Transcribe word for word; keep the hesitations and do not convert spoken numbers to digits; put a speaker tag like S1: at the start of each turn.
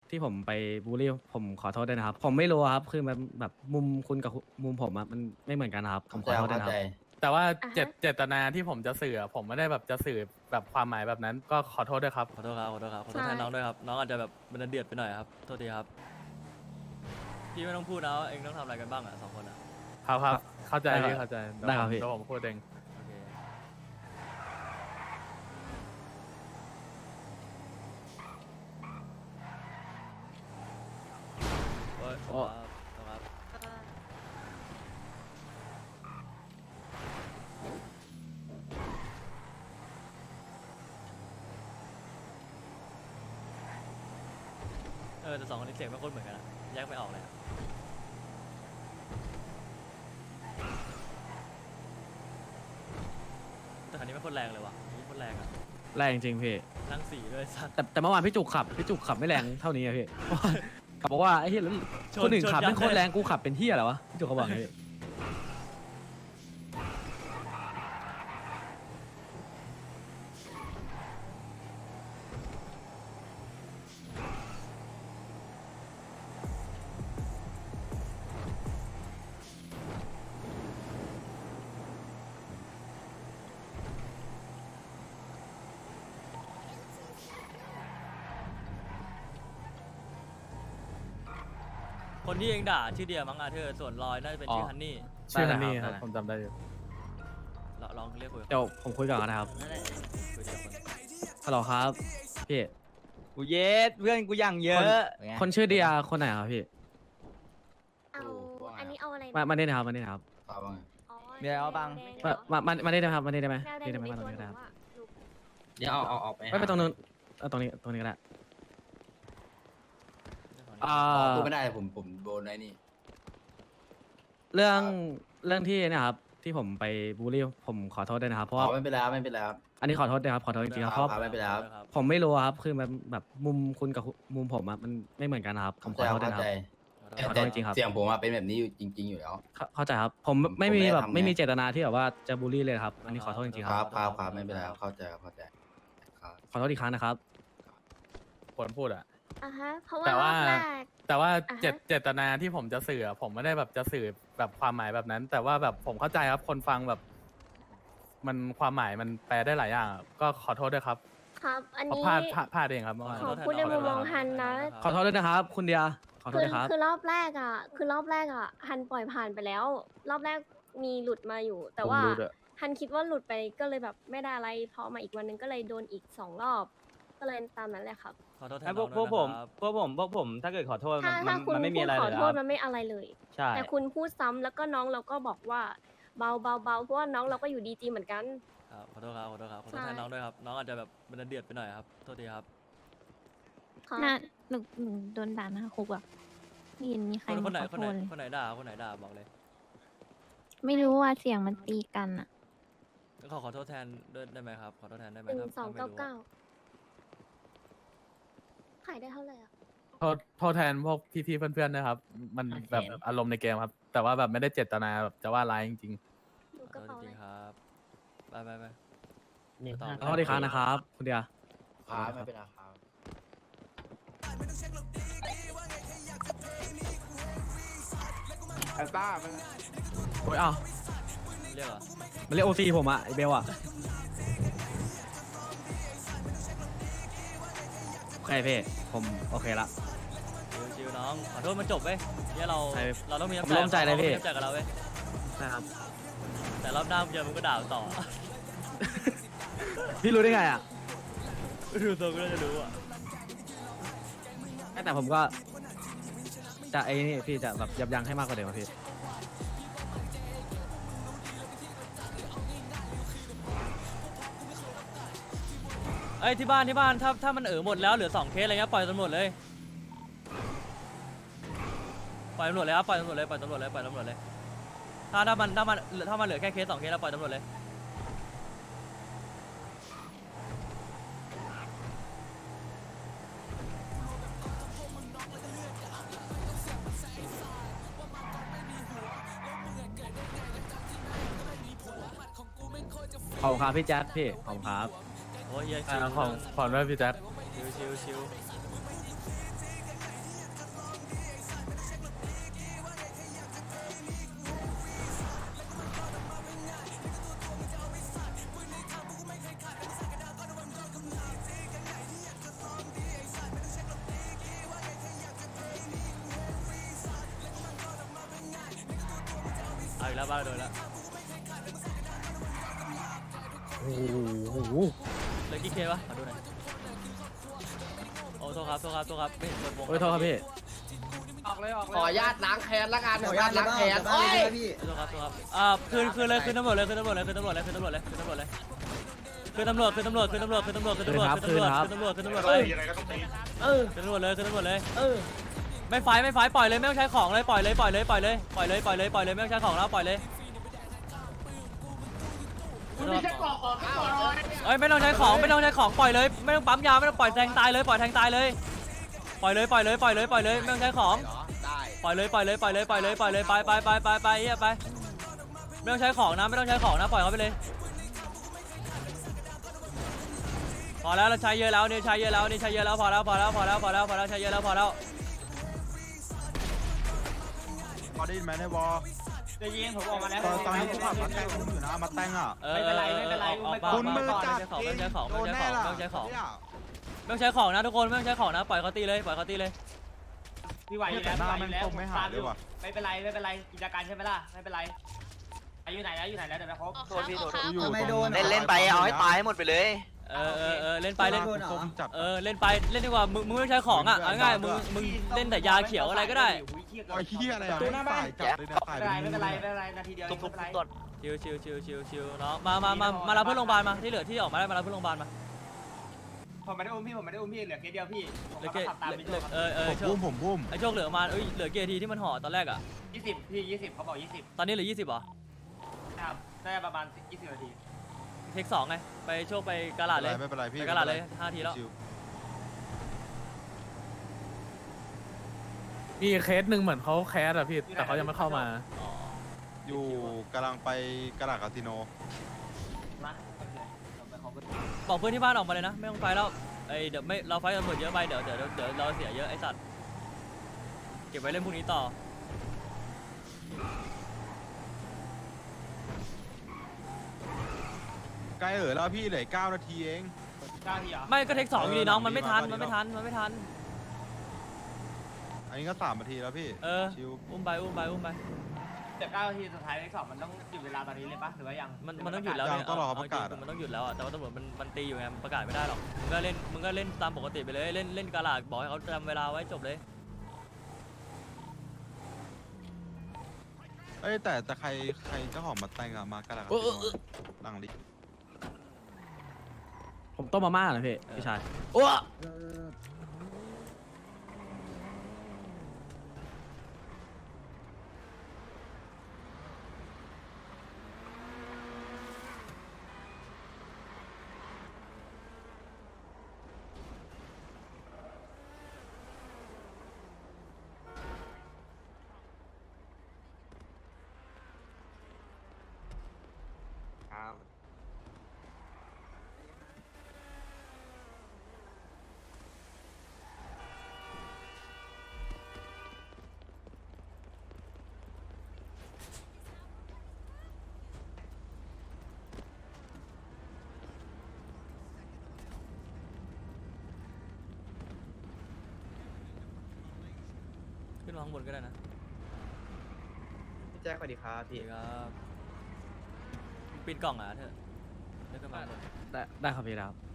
S1: ที่ผมไปบูลลี่ผมขอโทษด้วยนะครับผมไม่รู้ครับคือมันแบบมุมคุณกับมุมผมอะมันไม่เหมือนกันนะครับผมขอโทษด้วยนะครับ
S2: แต่ว่า
S3: อ่าฮะ
S2: เจตเจตนาที่ผมจะสื่อผมไม่ได้แบบจะสื่อแบบความหมายแบบนั้นก็ขอโทษด้วยครับ
S4: ขอโทษครับขอโทษครับขอโทษ
S3: ใช่
S4: แทนน้องด้วยครับน้องอาจจะแบบมันเดือดไปหน่อยครับโทษทีครับพี่ไม่ต้องพูดนะว่าเองต้องทำอะไรกันบ้างอ่ะสองคนอ่ะ
S2: ครับครับเข้าใจ
S1: ได้ครับ
S2: พี่เข้าใจเยว
S1: ได้ครับ
S2: ผม
S1: พี่
S2: เดี๋ยวผมพูดเอง
S4: โอเคโอ้ย
S1: โอ้
S4: ครับขอบคุณครับ เออแต่สองคนนี้เสียงไม่ค่อยเหมือนกันอะแยกไม่ออกเลยอะแต่คันนี้ไม่ค่อยแรงเลยว่ะอันนี้โค่อยแรงอะ
S1: แรงจริงพี่
S4: นั่งสี่ด้วยสัตว์
S1: แต่แต่เมื่อวานพี่จุกขับพี่จุกขับไม่แรงเท่านี้อะพี่ ขับบอกว่าไอ้เหี้ยแล้ว
S4: ชน
S1: คนอื่น
S4: ชน
S1: ขับ
S4: ยับ
S1: เป็นโคตร
S4: เลย
S1: แรงกูขับเป็นเหี้ยอะไรวะพี่จุกเขาบอกอย่างนี้
S4: คนที่เองด่าชื่อเดียมั้งอาเธอร์ส่วนลอยน่าจะเป็นชื่อฮันนี่
S2: ชื่อ
S1: ได้
S2: ฮันนี่
S1: ได้
S2: ครับผมจำได้อยู่
S4: ลองลองเรียกคุยกับ
S1: เดี๋ยวผมคุยก่อนนะครับ
S4: นั่นแหละคุยทีละคน
S1: ฮัลโหลครับพี่
S5: กูเย็ดเพื่อนกูอย่างเยอะ
S1: คนชื่อเดียคนไหนครับพี่
S3: เอาอันนี้เอาอะไรนะ
S1: มามาได้นะครับมาได้นะครับ
S3: อ๋อ
S5: มีอะไรเอาบ้าง
S3: แดๆ
S1: มา
S3: เหรอ
S1: มามามาได้ไหมครับมาได้ไหม
S3: แดงๆ
S1: ได้ไหม
S3: อยู่
S1: มาตรง
S3: ใน
S1: นี้
S3: ตัว
S1: ก็ได้
S3: ห
S1: ครับ
S3: อะลูก
S6: เดี๋ยวเอาเอาออกไป
S1: ไม่ไปตรงนู้นเอาตรงนี้ตรงนี้ก็ได้อ่า
S6: พูดไม่ได้ผมผมโดนไอ้นี่
S1: เรื่องเรื่องที่เนะครับที่ผมไปบูลลี่ผมขอโทษด้วยนะครับเพราะว่า
S6: อ๋อไม่เป็นไรครับไม่เป็นไรครับ
S1: อันนี้ขอโทษนะครับขอโทษจริงๆครับเพราะ
S6: ครับไม่เป็นไรครับ
S1: ผมไม่รู้ครับคือมันแบบมุมคุณกับมุมผมอะมันไม่เหมือนกันนะครับผมขอโทษด้วย
S6: เข้า
S1: นะค
S6: ใจ
S1: รับ ขอโทษจริงๆครับ
S6: เสียงผมอะเป็นแบบนี้อยู่จริง ๆ อยู่แล้ว
S1: เข้าเข้าใจครับผมไม่
S6: ผม
S1: มี
S6: ไม่ได้
S1: แบบ
S6: ทำไง
S1: ไม่มีเจตนาที่แบบว่าจะบูลลี่เลยครับอันนี้ขอโทษจริงๆ
S6: ค
S1: ค
S6: รั
S1: รั
S6: บบ ครับครับไม่เป็นไรครับเข้าใจครับเข้าใจครับ
S1: ขอโทษอีกครั้งนะครับ
S2: คนพูดอะ
S3: อ่ะฮะ เพราะว่า
S2: แต่
S3: ร
S2: ว่า
S3: อบแรก
S2: แต่ว่า
S3: อ่าฮะ
S2: เจตเจตนาที่ผมจะสื่อผมไม่ได้แบบจะสื่อแบบความหมายแบบนั้น แต่ว่าแบบผมเข้าใจครับคนฟังแบบ มันความหมายมันแปลได้หลายอย่างอะก็ขอโทษด้วยครับ
S3: ครับ อัน
S2: เพราะ
S3: นี้
S2: พลาดพลาดพลาดเองครับเมื่อวาน
S3: ขอพูดในมุมมองฮันนะ
S1: ขอโทษด้วยนะครับ คุณเดียขอโทษ
S3: คือ
S1: นะครับ
S3: คือรอบแรกอ่ะ คือรอบแรกอ่ะ ฮันปล่อยผ่านไปแล้ว รอบแรกมีหลุดมาอยู่ แต่ว่า
S2: ผมรู้ด้วย
S3: ฮันคิดว่าหลุดไปก็เลยแบบไม่ได้อะไรพอมาอีกวันหนึงก็เลยโดนอีกสองรอบ ก็เลยตามนั้นแหละครับ
S4: ขอโทษแท
S5: ไอ้
S4: น
S5: พ
S4: น้
S5: ว
S4: อก ง
S5: พวก
S4: ด้วย
S5: ผม
S4: นะครับ
S5: พวกผมพวกผมถ้าเกิดขอโทษมั
S3: ถ้าน ถ้า
S5: มัน
S3: คุณ
S5: มันไม่
S3: พู
S5: มี
S3: ด
S5: อะไร
S3: ขอ
S5: เลย
S3: โทษ
S5: ค
S3: มั
S5: รับ
S3: นไม่อะไรเลย
S5: ใช่
S3: แต่คุณพูดซ้ำแล้วก็น้องเราก็บอกว่าเบาเบาเบาเพราะว่าน้องเราก็อยู่ดีจีเหมือนกัน
S4: ครับขอโทษครับขอโทษครับขอโทษ
S3: ใช่
S4: แทนน้องด้วยครับน้องอาจจะแบบมันเดือดไปหน่อยครับโทษทีครับ
S3: ครับ
S7: น่าหนูหนูโดนด่าหน้าคุกอ่ะไม่เห็นมีใคร
S4: คน
S7: มา
S4: คนไหน
S7: ขอ
S4: คน
S7: โท
S4: ไหน
S7: ษเลย
S4: คนไหนด่าคนไหนด่าบอกเลย
S7: ไม่รู้ว่าเสียงมันตีกันอ่ะ
S4: งั้นขอขอโทษแทนด้วยได้ไหมครับขอโทษแทนได้ไหม
S3: หนึ่ง
S4: ถ้า
S3: สอง
S4: ถ้า
S3: เก้า
S4: ไม่รู้
S3: เก้าขายได้เท่าไหร่อ่ะ
S2: โทษโทษแทนพวกพี่ๆเพื่อนๆนะครับ มันแบบอารมณ์ในเกมครับ แต่ว่าแบบไม่ได้เจตนาแบบจะว่าร้ายจริง
S3: ดู
S4: ข
S3: ก
S4: อ
S3: ระ
S4: โทษ
S3: เป๋า
S4: จ
S3: เล
S4: ริ
S3: ย
S4: งๆครับไปไปไป
S6: นี่
S4: ต่อ
S1: ขอโทษอีกครั้งนะครับ คุณเดีย
S6: ครับไม่เป็นไรครับ
S5: ไอ้ต้ามัน
S1: โอ้ยอ้าว
S4: เรียกเหรอ
S1: มันเรียกโอซีผมอะไอเบลอะโอเคพี่ผมโอเคละ
S4: ชิวชิวน้องขอโทษมันจบเว้ยเนี่ยเรา
S1: ใช่
S4: เราต้องมีน้ำ
S1: ผมร่วมใจเลยพี่
S4: ราต้องมีน้ำใจกับเราเว้ย
S1: นะครับ
S4: แต่รอบหน้ามึงเจอมึงก็ด่าต่อ
S1: พี่รู้ได้ไงอะ
S4: ดูตัวก็น่าจะรู้อ่ะ
S1: แต่ผมก็จะไอ้นี่พี่จะแบบยับยั้งให้มากกว่าเดิมอะพี่
S4: เอ้ยที่บ้านที่บ้านถ้าถ้ามันเออหมดแล้วเหลือสองเคสอะไรเงี้ยปล่อยตำรวจเลยปล่อยตำรวจเลยครับปล่อยตำรวจเลยปล่อยตำรวจเลยปล่อยตำรวจเลยถ้าถ้ามันถ้ามันถ้ามันเหลือแค่เคสสองเคสแล้วปล่อยตำรวจเลย
S1: ขอบคุณครับพี่แจ๊คพี่ขอบคุณครับ
S4: โอ้ยเหี้ย
S2: ๆ
S4: ชิว
S2: อ่าของขอด้วยพี่แจ๊ค
S4: ชิวชิวชิวอีกแล้วบ้านเราโดนแล้ว
S1: โอ้โห
S4: เหลยกี่เคปะขอดูหน่อยโอ้โทษครับโทษครับโทษครับไม่เห็นเปิดวง
S1: โอ้ยโทษครับพี่
S6: ขออนุญาตล้างแค้นละกันขออนุญาตล้างแค้นโอ้ย
S4: โทษครับโทษครับอ่าคืนคืนเลยคืนตำรวจเลยคืนตำรวจเลยคืนตำรวจเลยคืนตำรวจเลยคืนตำรวจเลยคืนตำรวจคืนตำรวจคืนตำรวจคืนตำรวจคืนตำรวจคืนตำรวจคืนตำรวจคืนตำรวจเลย
S1: เออ
S4: คืนตำรวจเลยคืนตำรวจเลย
S1: เออ
S4: ไม่ไฟไม่ไฟปล่อยเลยไม่ต้องใช้ของเลยปล่อยเลยปล่อยเลยปล่อยเลยปล่อยเลยปล่อยเลยปล่อยเลยไม่ต้องใช้ของแล้วปล่อยเลยเอ้ยไม่ต้องใช้ของไม่ต้องใช้ของปล่อยเลยไม่ต้องปั๊มยาไม่ต้องปล่อยแทงตายเลยปล่อยแทงตายเลยปล่อยเลยปล่อยเลยปล่อยเลยปล่อยเลยไม่ต้องใช้ของ
S6: ได้
S4: ปล่อยเลยปล่อยเลยปล่อยเลยปล่อยเลยปล่อยเลยไปไปไปไปไปเฮียไปไม่ต้องใช้ของนะไม่ต้องใช้ของนะปล่อยเขาไปเลยพอแล้วเราใช้เยอะแล้วนี่ใช้เยอะแล้วนี่ใช้เยอะแล้วพอแล้วพอแล้วพอแล้วพอแล้วพอแล้วใช้เยอะแล้วพอแล้ว
S8: พอได้ยินไหมในวอล
S5: ได้ยินผมออกมาแล้ว
S8: ตอนตอนนี้กูขับมาแต่งอยู่นะมาแต่งอ่ะ
S5: ไม่เป็นไรไม่เป็นไร
S4: ออก
S5: ไม่
S4: มา
S8: คุณมือ
S4: ออก
S8: จัด
S4: ไม่ต้องใช้ของไม่ต้องใช้ของ
S8: โด
S4: ไม่
S8: น
S4: ต้องใช้
S8: แน่
S4: ของ
S8: ล่ะ
S4: ไม่ต้องใช้ของไม่ต้องใช้ของนะทุกคนไม่ต้องใช้ของนะปล่อยเขาตีเลยปล่อยเขาตีเลย
S5: พี่ไหวอยู่
S8: แต่
S5: แล้ว
S8: หน้า
S5: ไหวอ
S8: แม่ง
S5: ยู่แล้ว
S8: คงไม่หายเลยว่ะ
S5: ไม่เป็นไรไม่เป็นไรกิจการใช่ไหมล่ะไม่เป็นไรอายุไหนแล้วอยู่ไหนแล้วเดี๋ยวนะครบ
S9: โทษพี่โทษ
S8: กูอยู่
S6: ไม่โดน
S8: ตรง
S9: เล่นเล่นไปเอาให้ตายให้หมดไปเลย
S4: เออเออเออเล่นไปเล่น
S8: คมจัด
S4: เออเล่นไปเล่นดีกว่ามึงมึงไม่ต้องใช้ของอ่ะเอาง่ายๆมึงมึงเล่นแต่ยาเขียวอะไรก็ได้
S8: ไอ้เหี้ยอะไรอ่ะฝ่ายจัดเลยนะฝ่าย
S5: ไม่เป็นไรไม่เป็นไรไม่เป็นไรนาทีเดียว
S9: ทุบทุบ
S5: ไม่
S9: ทุ
S5: เป็นไร
S9: บต้น
S4: ชิวชิวชิวชิวชิวเนาะมามามามารับเพื่อนโรงพยาบาลมาที่เหลือที่ออกมาได้มารับเพื่อนโรงพยาบาลมา
S5: ผมไม่ได้อุ้มพี่ผมไม่ได้อุ้มพี่เหลือเคสเดียวพี่ผม
S4: เหลือ
S5: ก็
S4: เก
S5: ขับตามพี่โจครับ
S4: เออเออ
S8: ผม
S4: โช
S8: บุ้
S4: ค
S8: มผมบุ้ม
S4: ไอโชคเหลือประมาณเอ้ยเหลือกี่นาทีที่มันห่อตอนแรกอ่ะ
S5: ยี่สิบพี่ยี่สิบเขาบอกยี่สิบ
S4: ตอนนี้เหลือยี่สิบเหรอ
S5: ครับได้ประมาณยี่สิบนาที
S4: เทคสองไงไปโชคไปกาลาดเลย
S8: ไม่เป็นไรพี่
S4: ไปกาลาดเลยห้าทีแล้ว
S8: ชิว
S2: มีเคสหนึ่งเหมือนเขาแคสอะพี่แต่เขายังไม่เข้ามา
S8: อยู่กำลังไปกระดาษคาสิโน
S5: มาโอเคเราไปขอบคุณ
S4: บอกเพื่อนที่บ้านออกมาเลยนะไม่ต้องไฟแล้วไอเดี๋ยวไม่เราไฟตำรวจเยอะไปเดี๋ยวเดี๋ยวเดี๋ยวเราเสียเยอะไอสัตว์เก็บไว้เล่นพรุ่งนี้ต่อ
S8: ใกล้เออแล้วพี่เหลือเก้านาทีเอง
S5: เก้าทีเหรอ
S4: ไม่ก็เทคสองอยู่ดีน้องมันไม่ทัน
S8: เออ
S4: มันไม่ทันมันไม่ทัน
S8: อันนี้ก็สามนาทีแล้วพี่
S4: เออ
S8: ชิว
S4: อุ้มไปอุ้มไปอุ้มไป
S5: แต่เก้านาทีสุดท้ายเลขสองมันต้องหยุดเวลาตอนนี้เลยปะหรือว่ายัง
S4: มันมันต้องหยุดแล้วเนี่ยเาจงๆมันต้องหยุดแล้วอะแต่ว่าตำรวจมันมันตีอยู่ไงมันประกาศไม่ได้หรอกมึงก็เล่นมึงก็เล่นตามปกติไปเลยเล่นเล่นกาลาดบอกให้เขาจำเวลาไว้จบเลย
S8: เอ้ยแต่แต่ใครใครเจ้าของมาแต่งอะมากระดาษคาสิโนหลังลิ
S1: ผมต้มมาม่าเหรอพี่พี่ชายโอ้
S4: ขึ้นมาข้างบนก็ได้นะ
S6: พี่แจ็คสวัสดีครับ
S4: ดี
S6: พี่
S4: ครับปิดกล่องอ่ะเธอเดินขึ้นมาข้างบน
S1: ได้ได้ครับพี่แล้ว